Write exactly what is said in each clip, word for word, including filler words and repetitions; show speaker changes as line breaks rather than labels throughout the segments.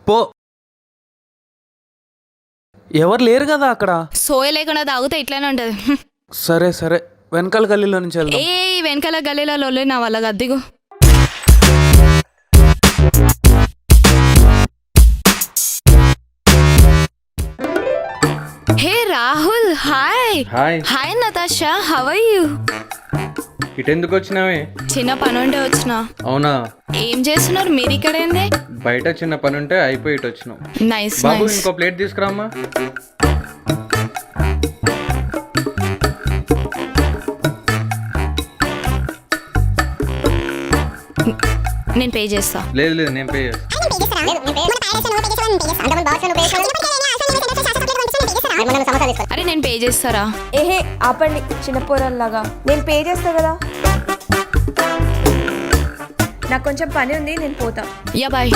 పో. ఎవరు లేరు కదా అక్కడ.
సోయ లేకుండా తాగితే ఇట్లానే ఉంటది.
సరే సరే వెనకాల గల్లీలో నుంచి వెళ్దాం.
ఏ వెనకాల గల్లీలలో నా వాళ్ళ గద్దిగు. Hey Rahul, hi.
Hi.
Hi Natasha, how are you?
ఇటెందుకు వచ్చినావే?
చిన్న పని ఉంటే వచ్చిన.
అవునా?
ఏం చేస్తున్నారు మీరు ఇక్కడ? ఏంది
బయట చిన్న పని ఉంటే అయిపోయి ఇటు వచ్చినావు.
నైస్
బాబు
నైస్.
ఇంకో ప్లేట్ తీసుకురామ్మా.
నేను పే చేస్తా.
లేదు లేదు నేను పే చేస్తా.
అరే నేను పే చేస్తారా?
ఏహే ఆపండి చిన్న పోరల్లాగా. నేను పే చేస్తా కదా. నాకు కొంచెం పని ఉంది, నేను పోతా.
Ya bye.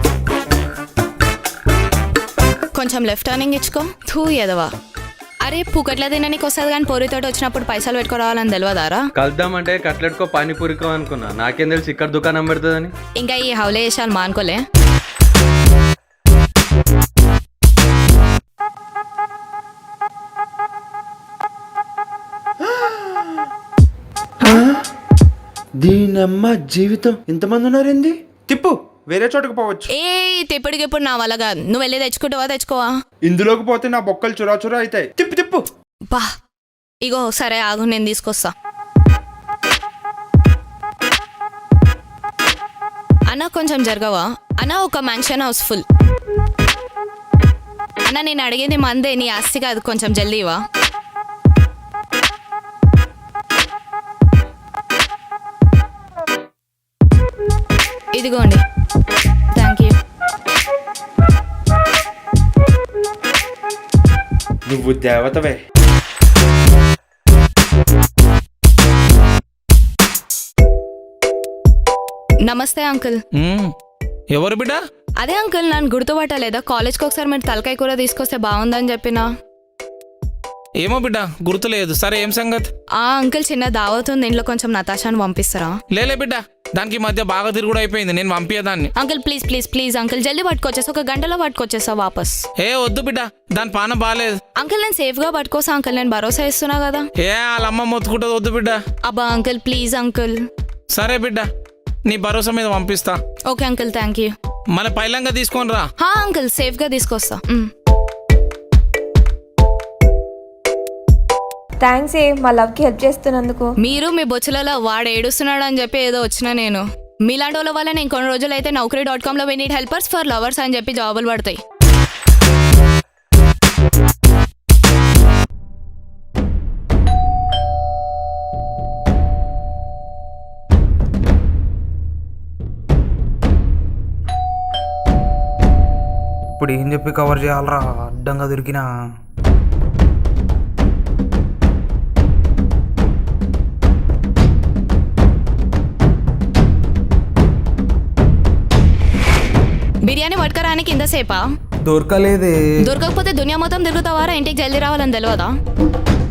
కొంచెం లెఫ్ట్ టర్నింగ్ ఇచ్చుకో. థూ ఎదవా. అరే పుకట్ల తినడానికి వస్తుంది కానీ పొరితోటి వచ్చినప్పుడు పైసలు పెట్టుకోవాలని తెలియదారా?
కలుద్దామంటే కట్లెట్కో పానీపూరికో అనుకున్నా. నాకేం తెలిసి ఇక్కడ దుకాణం పెడుతుందని.
ఇంకా ఈ హౌలే వేసాలు మానుకోలే.
దీనమ్మ జీవితం ఇంతమంది ఉన్నారేంది? తిప్పు, వేరే చోటుకు పోవచ్చు.
ఏ తిప్పటికి ఇప్పుడు నా వల్ల కాదు. నువ్వు వెళ్ళి తెచ్చుకుంటావా? తెచ్చుకోవా?
ఇందులోకి పోతే నా బొక్కలు చురా చురా అవుతాయి. తిప్పు తిప్పు.
బా ఇగో సరే ఆగు, నేను తీసుకొస్తా. అన్న కొంచెం జరగవా? అన్న ఒక మ్యాన్షన్ హౌస్ ఫుల్. అన్న నేను అడిగేది మందే, నీ ఆస్తి కాదు. కొంచెం జల్దీ ఇవా. ఇదిగోండి. Thank you.
నువ్వు దేవతవే.
నమస్తే అంకుల్.
ఎవరు బిడ్డ?
అదే అంకుల్ నన్ను గుర్తుపట్టలేదా? కాలేజ్కి ఒకసారి మీరు తలకాయ కూర తీసుకొస్తే బాగుందని చెప్పినా.
ఏమో బిడ్డ గుర్తులేదు. సరే ఏం సంగతి?
ఆ అంకుల్ చిన్న దావత్ ఉంది, ఇంట్లో కొంచెం నతాషాను పంపిస్తారా?
లేలే బిడ్డ, దానికి ఈ మధ్య బాగా తిరుగుడు అయిపోయింది. నేను పంపించదాన్ని.
Uncle please please please uncle జల్దీ పట్టుకొచ్చేసి ఒక గంటలో పట్టుకొచ్చేస్తా వాపస్.
ఏ వద్దు బిడ్డ, దాని పానం బాగాలేదు.
అంకుల్ నేను సేఫ్ గా పట్టుకోసా అంకుల్, నేను భరోసా ఇస్తున్నా కదా.
ఏ వాళ్ళ అమ్మ మొత్తుకుంటుంది. వద్దు బిడ్డ.
అబ్బా అంకుల్ ప్లీజ్ అంకుల్.
సరే బిడ్డ, నీ భరోసా మీద పంపిస్తా.
Okay uncle thank you.
మన పైలంగా తీసుకొని రా.
హా అంకుల్ సేఫ్ గా తీసుకొస్తా. మ్.
థ్యాంక్స్ ఏ మా లవ్కి హెల్ప్ చేస్తున్నందుకు.
మీరు మీ బొచ్చులలో వాడు ఏడుస్తున్నాడు అని చెప్పి ఏదో వచ్చినా నేను. మీలాంటి వాళ్ళ వల్ల నేను కొన్ని రోజులు అయితే నౌకరీ డాట్ కామ్ లో we need helpers for lovers అని చెప్పి జాబులు పడతాయి.
ఇప్పుడు ఏం చెప్పి కవర్ చేయాలరా? అడ్డంగా దొరికినా
బిర్యానీ పట్టుకరానికి ఇంతసేపా?
దొరకలేదే.
దొరకకపోతే దునియా మొత్తం తిరుగుతావారా? ఇంటికి జల్దీ రావాలని తెలియదా?